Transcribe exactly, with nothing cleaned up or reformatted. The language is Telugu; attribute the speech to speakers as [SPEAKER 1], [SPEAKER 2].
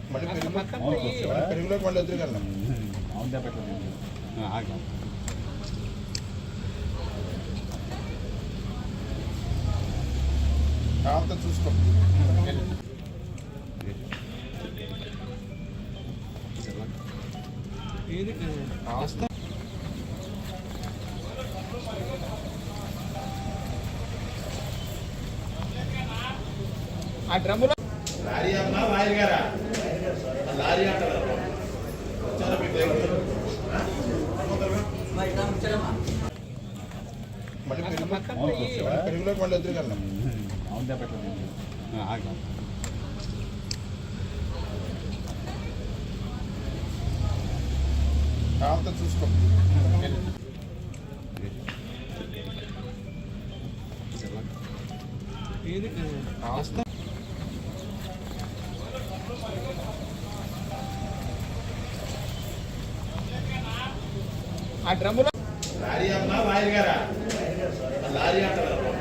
[SPEAKER 1] మళ్ళీ పెరుగులోకి మళ్ళీ ఎదురుకెళ్ళాం. కావంతా చూసుకో. ఆ డ్రమ్ములో లారీ అమ్మా లారీ గారా లారీ అంటారు. మళ్ళీ పెరుగులోకి మళ్ళీ ఎదురుకెళ్ళాం. కావంతా చూసుకో. ఆ డ్రమ్ములో లారీ అమ్మా లారీ గారా లారీ అంటారు.